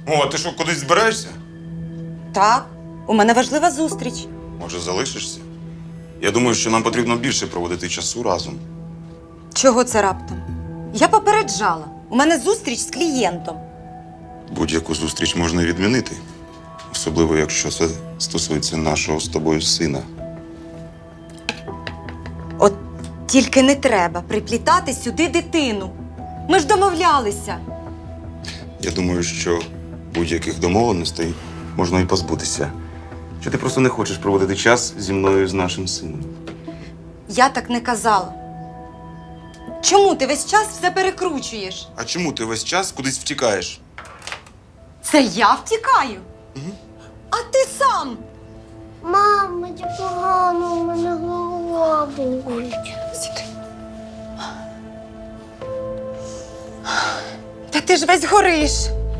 О, а ти що, кудись збираєшся? Так, у мене важлива зустріч. Може, залишишся? Я думаю, що нам потрібно більше проводити часу разом. Чого це раптом? Я попереджала. У мене зустріч з клієнтом. Будь-яку зустріч можна відмінити. Особливо, якщо це стосується нашого з тобою сина. От тільки не треба приплітати сюди дитину. Ми ж домовлялися. Я думаю, що будь-яких домовленостей можна і позбутися. Що ти просто не хочеш проводити час зі мною і з нашим сином. Я так не казала. Чому ти весь час все перекручуєш? А чому ти весь час кудись втікаєш? Це я втікаю? А ти сам? Мам, мені погано, у мене голова болить. Сідай. Та ти ж весь гориш.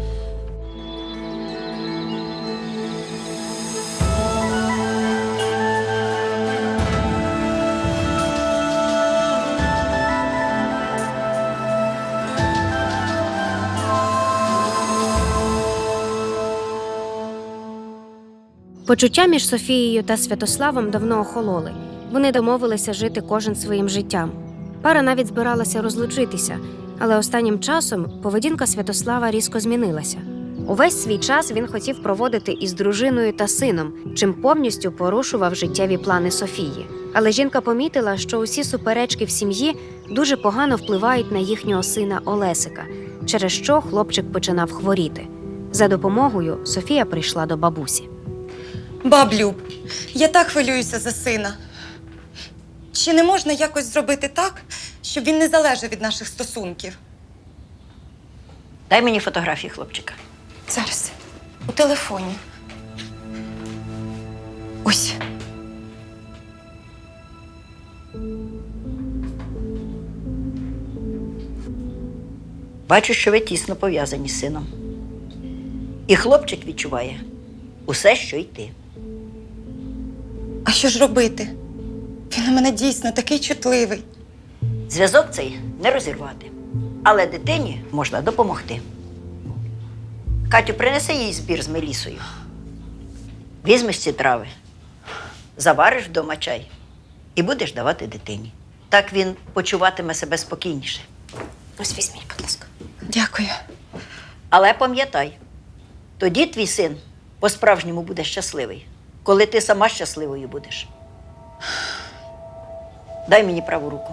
Почуття між Софією та Святославом давно охололи. Вони домовилися жити кожен своїм життям. Пара навіть збиралася розлучитися, але останнім часом поведінка Святослава різко змінилася. Увесь свій час він хотів проводити із дружиною та сином, чим повністю порушував життєві плани Софії. Але жінка помітила, що усі суперечки в сім'ї дуже погано впливають на їхнього сина Олесика, через що хлопчик починав хворіти. За допомогою Софія прийшла до бабусі. Баблюб, я так хвилююся за сина. Чи не можна якось зробити так, щоб він не залежав від наших стосунків? Дай мені фотографії хлопчика. Зараз. У телефоні. Ось. Бачу, що ви тісно пов'язані з сином. І хлопчик відчуває усе, що й ти. А що ж робити? Він у мене дійсно такий чутливий. Зв'язок цей не розірвати. Але дитині можна допомогти. Катю, принеси їй збір з мелісою. Візьмеш ці трави, завариш вдома чай і будеш давати дитині. Так він почуватиме себе спокійніше. Ось візьміть, будь ласка. Дякую. Але пам'ятай, тоді твій син по-справжньому буде щасливий, коли ти сама щасливою будеш. Дай мені праву руку.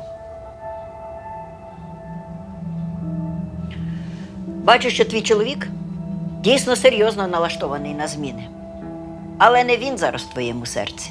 Бачу, що твій чоловік дійсно серйозно налаштований на зміни. Але не він зараз в твоєму серці.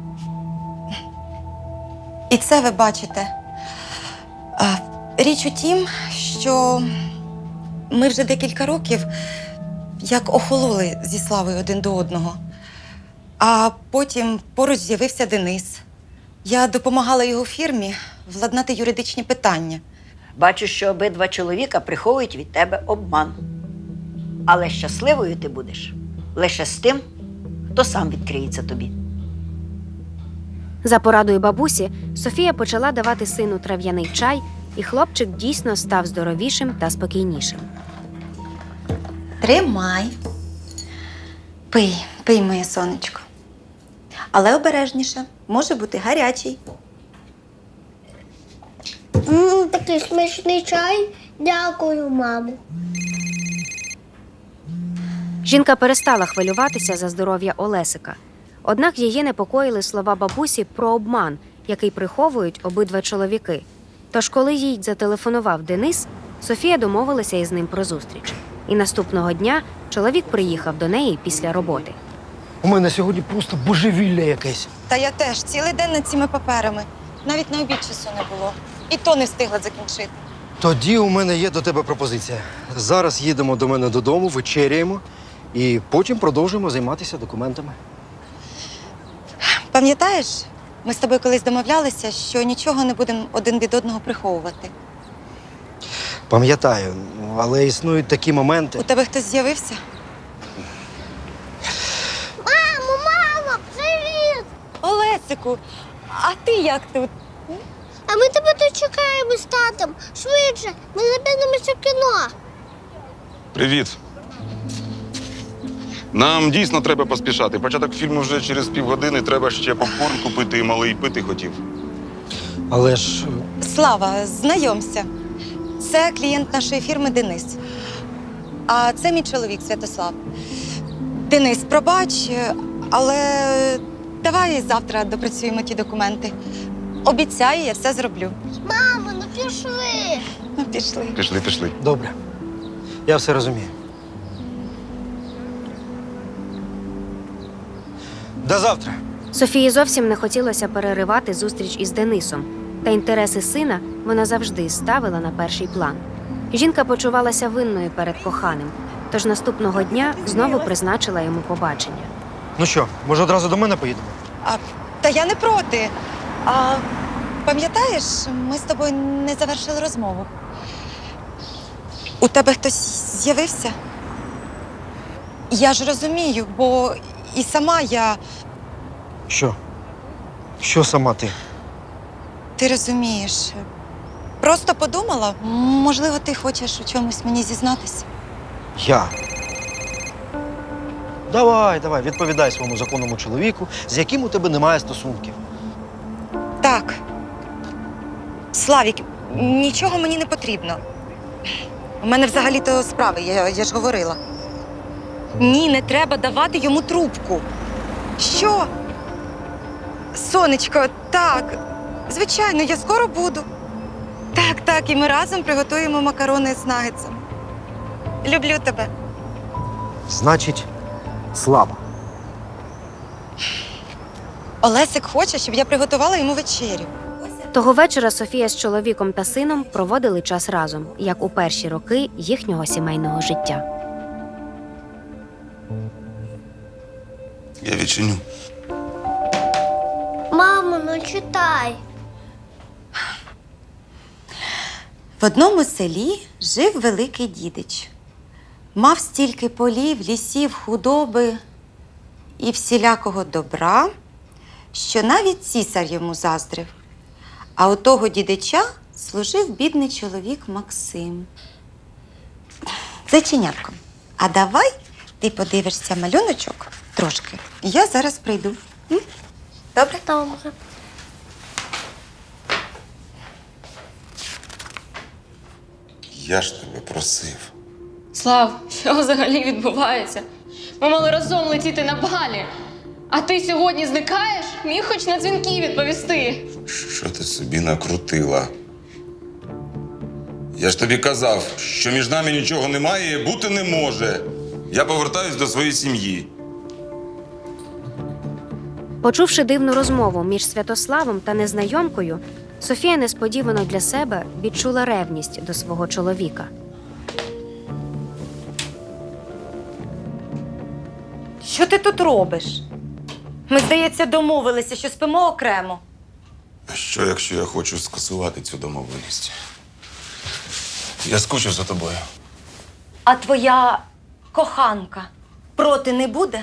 І це ви бачите. Річ у тім, що ми вже декілька років як охололи зі Славою один до одного. А потім поруч з'явився Денис. Я допомагала його фірмі владнати юридичні питання. Бачу, що обидва чоловіка приховують від тебе обман. Але щасливою ти будеш лише з тим, хто сам відкриється тобі. За порадою бабусі, Софія почала давати сину трав'яний чай, і хлопчик дійсно став здоровішим та спокійнішим. Тримай. Пий, моє сонечко. Але обережніше, може бути гарячий. Такий смачний чай. Дякую, мамо. Жінка перестала хвилюватися за здоров'я Олесика. Однак її непокоїли слова бабусі про обман, який приховують обидва чоловіки. Тож, коли їй зателефонував Денис, Софія домовилася із ним про зустріч. І наступного дня чоловік приїхав до неї після роботи. У мене сьогодні просто божевілля якесь. Та я теж цілий день над цими паперами. Навіть на обід часу не було. І то не встигла закінчити. Тоді у мене є до тебе пропозиція. Зараз їдемо до мене додому, вечеряємо і потім продовжуємо займатися документами. Пам'ятаєш, ми з тобою колись домовлялися, що нічого не будемо один від одного приховувати. Пам'ятаю, але існують такі моменти. У тебе хтось з'явився? Мамо, привіт! Олесику, а ти як тут? А ми тебе тут чекаємо з татом. Швидше, ми запізнимося в кіно. Привіт. Нам дійсно треба поспішати. Початок фільму вже через півгодини, треба ще попкорн купити і малий пити хотів. Але ж Слава, знайомся. Це клієнт нашої фірми Денис. А це мій чоловік Святослав. Денис, пробач, але давай завтра допрацюємо ті документи. Обіцяю, я все зроблю. Мамо, ну пішли. Ну, пішли. Пішли. добре. Я все розумію. До завтра. Софії зовсім не хотілося переривати зустріч із Денисом, та інтереси сина вона завжди ставила на перший план. Жінка почувалася винною перед коханим, тож наступного дня знову призначила йому побачення. Ну що, може одразу до мене поїдемо? Та я не проти. А пам'ятаєш, ми з тобою не завершили розмову. У тебе хтось з'явився? Я ж розумію, бо і сама я. Що? Що сама ти? Ти розумієш. Просто подумала, можливо, ти хочеш у чомусь мені зізнатися. Я. Давай, відповідай своєму законному чоловіку, з яким у тебе немає стосунків. Так. Славік, нічого мені не потрібно. У мене взагалі-то справи, я ж говорила. Ні, не треба давати йому трубку. Що? Сонечко, так. Звичайно, я скоро буду. Так, і ми разом приготуємо макарони з нагетсом. Люблю тебе. Значить, слава. Олесик хоче, щоб я приготувала йому вечерю. Того вечора Софія з чоловіком та сином проводили час разом, як у перші роки їхнього сімейного життя. Я відчиню. Мамо, ну читай. В одному селі жив великий дідич. Мав стільки полів, лісів, худоби і всілякого добра, що навіть цісар йому заздрив. А у того дідича служив бідний чоловік Максим. Зайченятко, а давай ти подивишся малюночок трошки. Я зараз прийду. М? Добре? Добре. Я ж тебе просив. Слав, що взагалі відбувається? Ми мали разом летіти на балі. А ти сьогодні зникаєш? Міг хоч на дзвінки відповісти. Що ти собі накрутила? Я ж тобі казав, що між нами нічого немає і бути не може. Я повертаюсь до своєї сім'ї. Почувши дивну розмову між Святославом та незнайомкою, Софія несподівано для себе відчула ревність до свого чоловіка. Що ти тут робиш? Ми, здається, домовилися, що спимо окремо. А що, якщо я хочу скасувати цю домовленість? Я скучив за тобою. А твоя коханка проти не буде?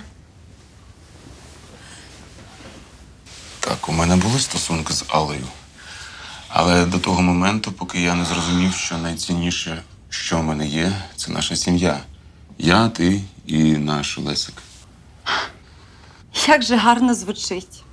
Так, у мене були стосунки з Аллою. Але до того моменту, поки я не зрозумів, що найцінніше, що в мене є, це наша сім'я. Я, ти і наш Лесик. Як же гарно звучить.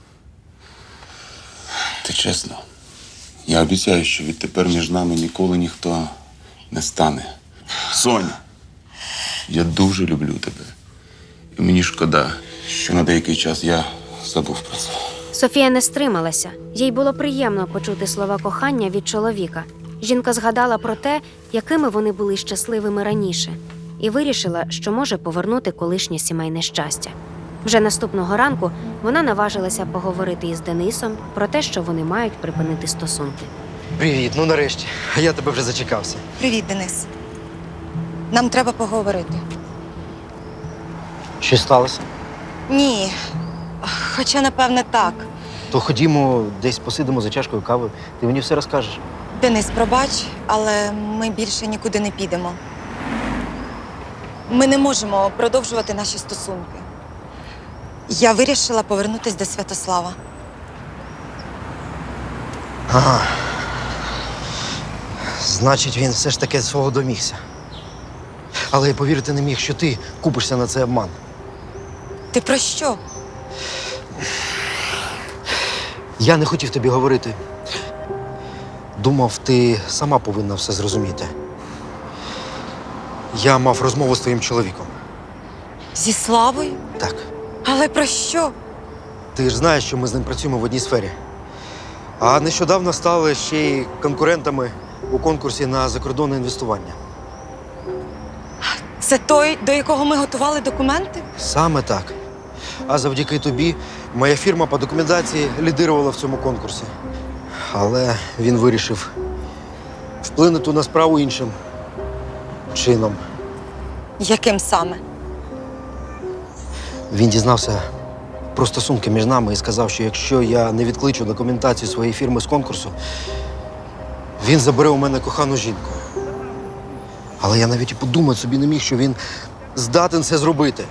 Ти чесно, я обіцяю, що відтепер між нами ніколи ніхто не стане. Соня, я дуже люблю тебе. І мені шкода, що на деякий час я забув про це. Софія не стрималася. Їй було приємно почути слова кохання від чоловіка. Жінка згадала про те, якими вони були щасливими раніше, і вирішила, що може повернути колишнє сімейне щастя. Вже наступного ранку вона наважилася поговорити із Денисом про те, що вони мають припинити стосунки. Привіт, ну нарешті. Я тебе вже зачекався. Привіт, Денис. Нам треба поговорити. Що сталося? Ні. Хоча, напевне, так. То ходімо, десь посидимо за чашкою кави. Ти мені все розкажеш. Денис, пробач, але ми більше нікуди не підемо. Ми не можемо продовжувати наші стосунки. Я вирішила повернутися до Святослава. Ага. Значить, він все ж таки свого домігся. Але я повірити не міг, що ти купишся на цей обман. Ти про що? Я не хотів тобі говорити. Думав, ти сама повинна все зрозуміти. Я мав розмову з твоїм чоловіком. Зі Славою? Так. Але про що? Ти ж знаєш, що ми з ним працюємо в одній сфері. А нещодавно стали ще й конкурентами у конкурсі на закордонне інвестування. Це той, до якого ми готували документи? Саме так. А завдяки тобі моя фірма по документації лідирувала в цьому конкурсі. Але він вирішив вплинути на справу іншим чином. Яким саме? Він дізнався про стосунки між нами і сказав, що якщо я не відкличу документацію своєї фірми з конкурсу, він забере у мене кохану жінку. Але я навіть і подумати собі не міг, що він здатен це зробити.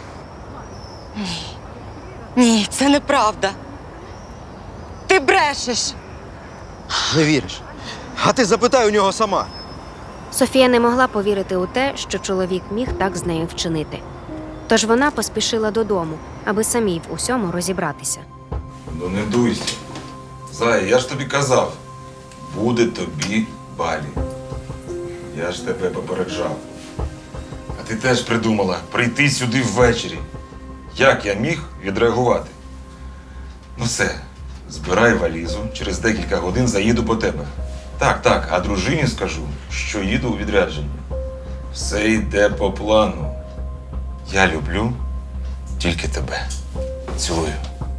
Ні, це неправда. Ти брешеш. Не віриш? А ти запитай у нього сама. Софія не могла повірити у те, що чоловік міг так з нею вчинити. Тож вона поспішила додому, аби самій в усьому розібратися. Ну не дуйся. Зая, я ж тобі казав, буде тобі балі. Я ж тебе попереджав. А ти теж придумала прийти сюди ввечері. Як я міг відреагувати? Ну все, збирай валізу, через декілька годин заїду по тебе. Так, а дружині скажу, що їду у відрядження. Все йде по плану. Я люблю тільки тебе. Цілую.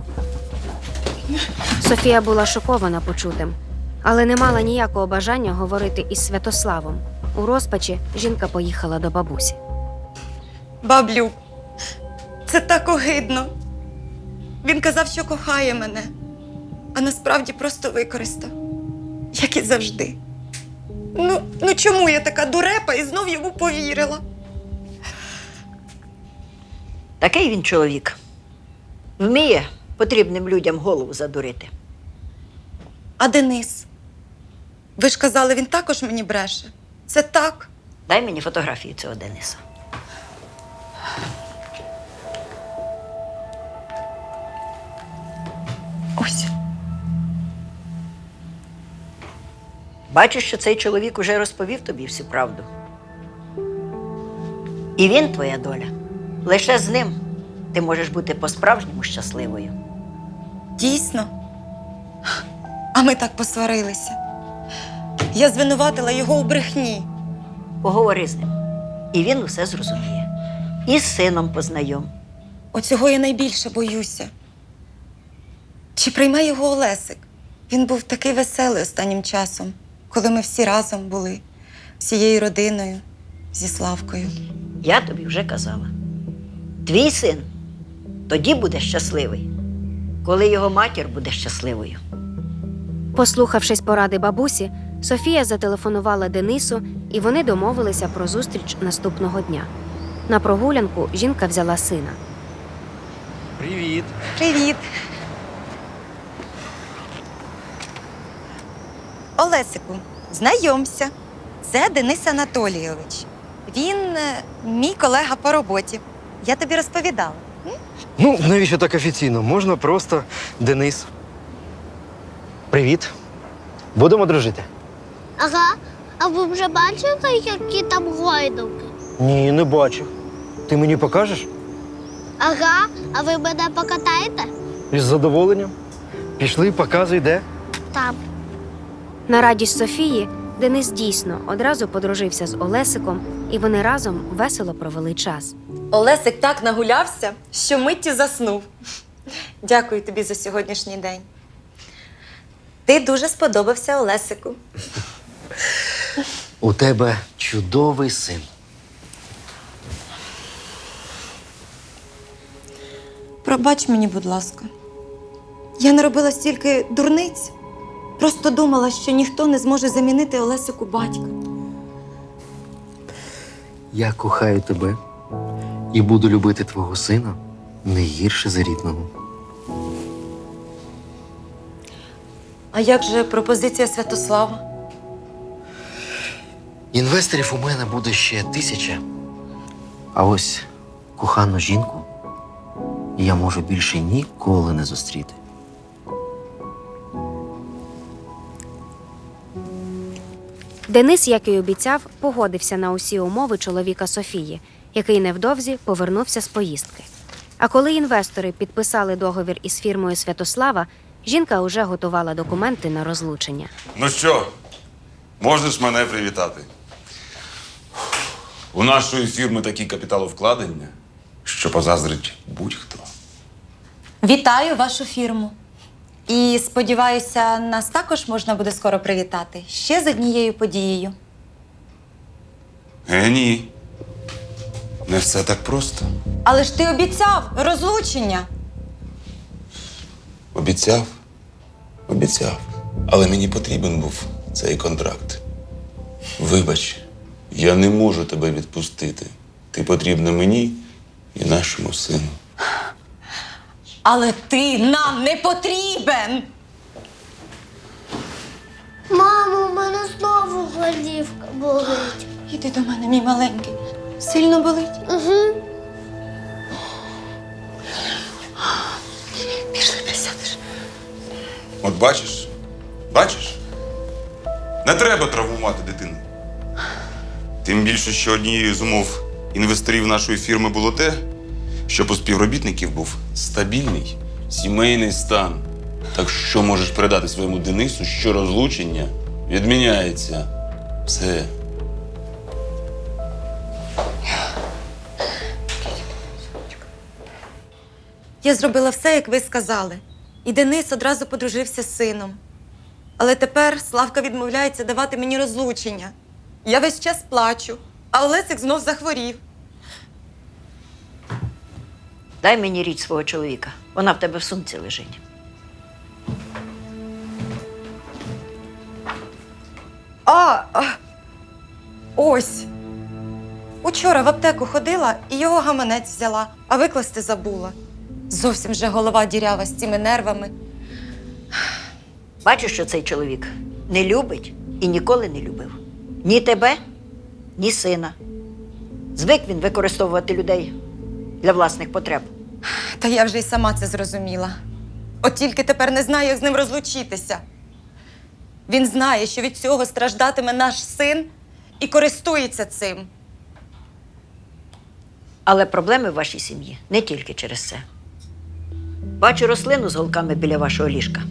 Софія була шокована почутим, але не мала ніякого бажання говорити із Святославом. У розпачі жінка поїхала до бабусі. Баблю, це так огидно. Він казав, що кохає мене, а насправді просто використав. Як і завжди. Ну чому я така дурепа і знов йому повірила? Такий він чоловік. Вміє потрібним людям голову задурити. А Денис? Ви ж казали, він також мені бреше. Це так? Дай мені фотографію цього Дениса. Ось. Бачу, що цей чоловік уже розповів тобі всю правду. І він твоя доля. Лише з ним ти можеш бути по-справжньому щасливою. Дійсно? А ми так посварилися. Я звинуватила його у брехні. Поговори з ним. І він усе зрозуміє. І з сином познайом. Оцього я найбільше боюся. Чи прийме його Олесик? Він був такий веселий останнім часом, коли ми всі разом були, всією родиною, зі Славкою. Я тобі вже казала. Твій син тоді буде щасливий, коли його матір буде щасливою. Послухавшись поради бабусі, Софія зателефонувала Денису, і вони домовилися про зустріч наступного дня. На прогулянку жінка взяла сина. Привіт. Привіт! Олесику, знайомся. Це Денис Анатолійович. Він мій колега по роботі. Я тобі розповідала. Ну, навіщо так офіційно? Можна просто Денис. Привіт. Будемо дружити? Ага, а ви вже бачили, які там гойдалки? Ні, не бачив. Ти мені покажеш? Ага, а ви мене покатаєте? Із задоволенням. Пішли, показуй, де. Там. На радість Софії Денис дійсно одразу подружився з Олесиком, і вони разом весело провели час. Олесик так нагулявся, що миттю заснув. Дякую тобі за сьогоднішній день. Ти дуже сподобався Олесику. У тебе чудовий син. Пробач мені, будь ласка. Я не робила стільки дурниць. Просто думала, що ніхто не зможе замінити Олесику батька. Я кохаю тебе і буду любити твого сина не гірше за рідного. А як же пропозиція Святослава? Інвесторів у мене буде ще 1000. А ось кохану жінку і я можу більше ніколи не зустріти. Денис, як і обіцяв, погодився на усі умови чоловіка Софії, який невдовзі повернувся з поїздки. А коли інвестори підписали договір із фірмою Святослава, жінка уже готувала документи на розлучення. Ну що, можеш мене привітати? У нашої фірми такі капіталовкладення, що позаздрить будь-хто. Вітаю вашу фірму. І сподіваюся, нас також можна буде скоро привітати ще з однією подією. Ні. Не все так просто. Але ж ти обіцяв розлучення. Обіцяв. Але мені потрібен був цей контракт. Вибач, я не можу тебе відпустити. Ти потрібна мені і нашому сину. Але ти нам не потрібен. Мамо, у мене знову голівка болить. Іди до мене, мій маленький. Сильно болить? Угу. Пішли, присядеш. От бачиш? Не треба травмувати дитину. Тим більше, що однією з умов інвесторів нашої фірми було те, щоб у співробітників був стабільний сімейний стан. Так що можеш передати своєму Денису, що розлучення відміняється. Все. Я зробила все, як ви сказали. І Денис одразу подружився з сином. Але тепер Славка відмовляється давати мені розлучення. Я весь час плачу, а Олесик знов захворів. Дай мені річ свого чоловіка. Вона в тебе в сумці лежить. Ось. Учора в аптеку ходила і його гаманець взяла, а викласти забула. Зовсім вже голова дірява з цими нервами. Бачиш, що цей чоловік не любить і ніколи не любив. Ні тебе, ні сина. Звик він використовувати людей для власних потреб. Та я вже й сама це зрозуміла. От тільки тепер не знаю, як з ним розлучитися. Він знає, що від цього страждатиме наш син і користується цим. Але проблеми в вашій сім'ї не тільки через це. Бачу рослину з голками біля вашого ліжка.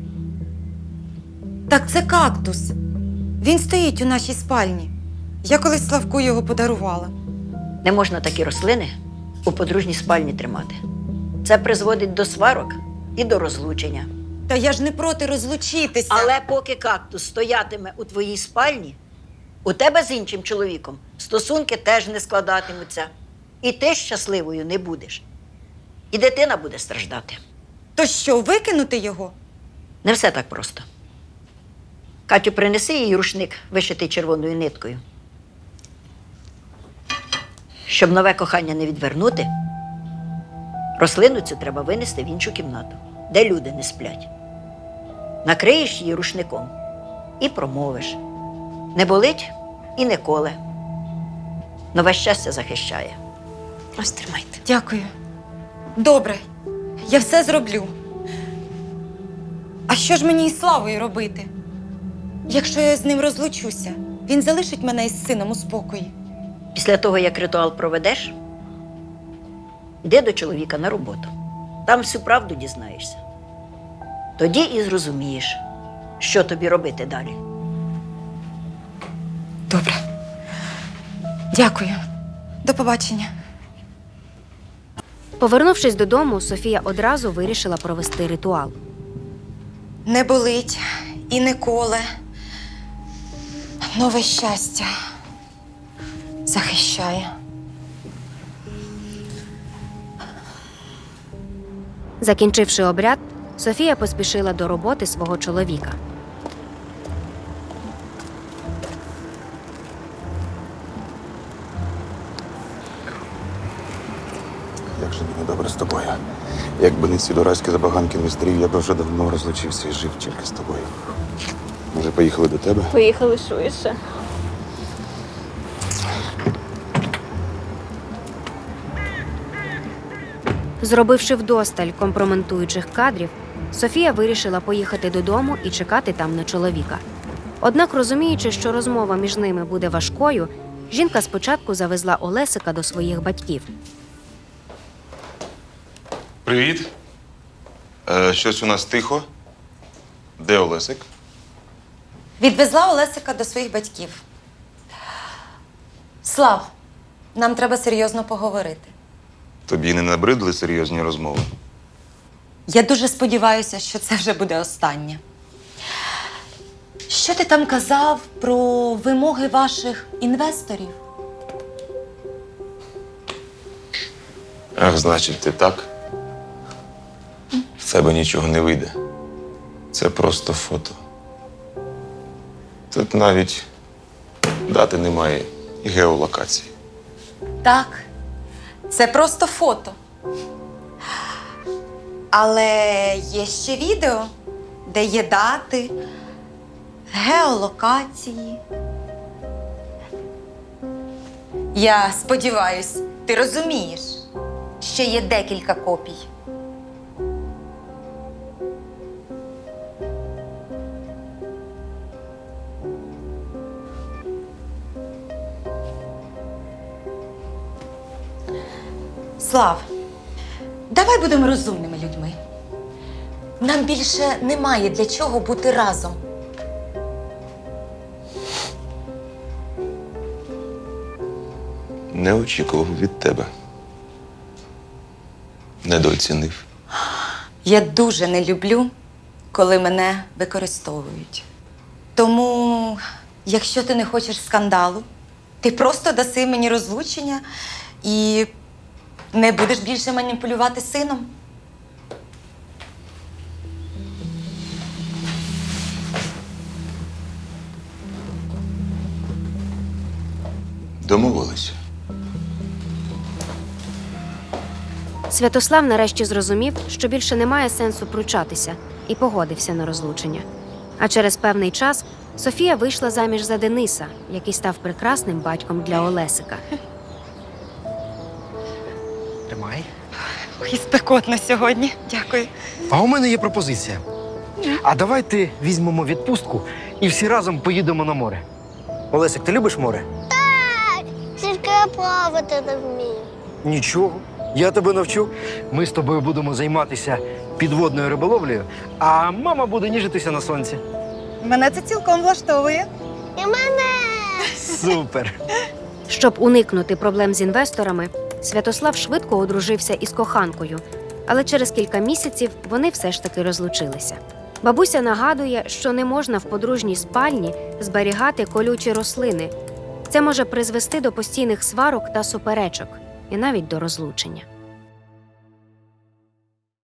Так це кактус. Він стоїть у нашій спальні. Я колись Славку його подарувала. Не можна такі рослини у подружній спальні тримати. Це призводить до сварок і до розлучення. Та я ж не проти розлучитися. Але поки кактус стоятиме у твоїй спальні, у тебе з іншим чоловіком стосунки теж не складатимуться. І ти щасливою не будеш. І дитина буде страждати. То що, викинути його? Не все так просто. Катю, принеси їй рушник, вишитий червоною ниткою. Щоб нове кохання не відвернути, рослину цю треба винести в іншу кімнату, де люди не сплять. Накриєш її рушником і промовиш. Не болить і не коле. Нове щастя захищає. Ось тримайте. Дякую. Добре, я все зроблю. А що ж мені із Славою робити? Якщо я з ним розлучуся, він залишить мене із сином у спокої. Після того, як ритуал проведеш, йди до чоловіка на роботу. Там всю правду дізнаєшся. Тоді і зрозумієш, що тобі робити далі. Добре. Дякую. До побачення. Повернувшись додому, Софія одразу вирішила провести ритуал. Не болить і не коле. Нове щастя захищає. Закінчивши обряд, Софія поспішила до роботи свого чоловіка. Як же мені добре з тобою. Якби не ці дурацькі забаганки інвесторів, я б вже давно розлучився і жив тільки з тобою. Може, поїхали до тебе? Поїхали швидше. Зробивши вдосталь компрометуючих кадрів, Софія вирішила поїхати додому і чекати там на чоловіка. Однак, розуміючи, що розмова між ними буде важкою, жінка спочатку завезла Олесика до своїх батьків. Привіт. Щось у нас тихо. Де Олесик? Відвезла Олесика до своїх батьків. Слав, нам треба серйозно поговорити. Тобі не набридли серйозні розмови? Я дуже сподіваюся, що це вже буде останнє. Що ти там казав про вимоги ваших інвесторів? Ах, значить, ти так? В тебе нічого не вийде. Це просто фото. Тут навіть дати немає і геолокації. Так, це просто фото. Але є ще відео, де є дати, геолокації. Я сподіваюсь, ти розумієш, що є декілька копій. Слав, давай будемо розумними людьми. Нам більше немає для чого бути разом. Не очікував від тебе. Недооцінив. Я дуже не люблю, коли мене використовують. Тому, якщо ти не хочеш скандалу, ти просто даси мені розлучення і не будеш більше маніпулювати сином. Домовилися. Святослав нарешті зрозумів, що більше немає сенсу пручатися, і погодився на розлучення. А через певний час Софія вийшла заміж за Дениса, який став прекрасним батьком для Олесика. Тримай. Ой, спекотно сьогодні. Дякую. А у мене є пропозиція. А давайте візьмемо відпустку і всі разом поїдемо на море. Олесик, ти любиш море? Тільки я плавати не вмію. Нічого. Я тебе навчу. Ми з тобою будемо займатися підводною риболовлею, а мама буде ніжитися на сонці. Мене це цілком влаштовує. І мене! Супер! Щоб уникнути проблем з інвесторами, Святослав швидко одружився із коханкою, але через кілька місяців вони все ж таки розлучилися. Бабуся нагадує, що не можна в подружній спальні зберігати колючі рослини. Це може призвести до постійних сварок та суперечок, і навіть до розлучення.